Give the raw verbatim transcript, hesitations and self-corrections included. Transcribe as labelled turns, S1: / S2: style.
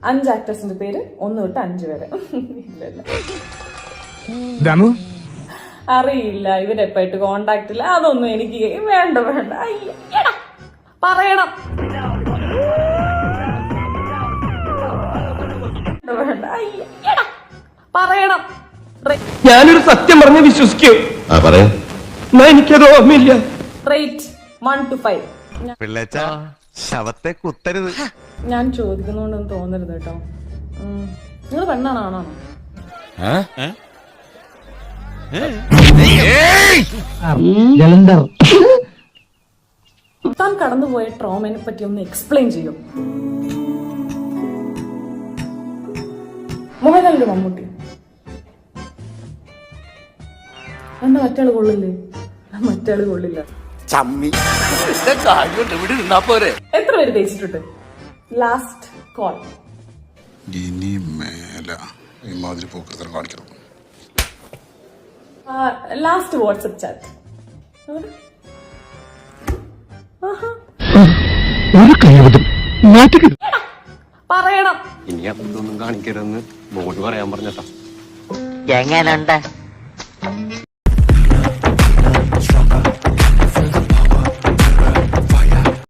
S1: അഞ്ച് ആക്ടേഴ്സിന്റെ പേര് ഒന്ന് തൊട്ട് അഞ്ച് വരെ. അറിയില്ല, ഇവരെപ്പായിട്ട് കോണ്ടാക്ട് ഇല്ല, അതൊന്നും എനിക്ക് വേണ്ട വേണ്ട. പറയണം വേണ്ട പറയണം.
S2: ഞാനൊരു സത്യം പറഞ്ഞ് വിശ്വസിക്കൂ. എനിക്കത് ഓർമ്മയില്ല.
S1: Rate one two five.
S3: ശവത്തെ കുത്തരുത്.
S1: ഞാൻ ചോദിക്കുന്നോണ്ടൊന്നും തോന്നരുത് കേട്ടോ. നിങ്ങൾ പെണ്ണാണോ ആണാണോ? താൻ കടന്നുപോയ ട്രോമനെ പറ്റി ഒന്ന് എക്സ്പ്ലെയിൻ ചെയ്യും. മോഹൻലാലിന്റെ മമ്മൂട്ടി എന്താ മറ്റാള് കൊള്ളില്ലേ? മറ്റാള് കൊള്ളില്ല. എത്ര പേര് തേച്ചിട്ടുണ്ട്? Last call.
S4: ഇനി മേല ഇമാതിരി പോക്കൃതം കാണിക്കണം.
S1: Last WhatsApp chat. പറയണം.
S3: ഇനി അതൊന്നും കാണിക്കരുതെന്ന് ബോർഡ് പറയാൻ പറഞ്ഞട്ടാ.
S5: എങ്ങനുണ്ട്?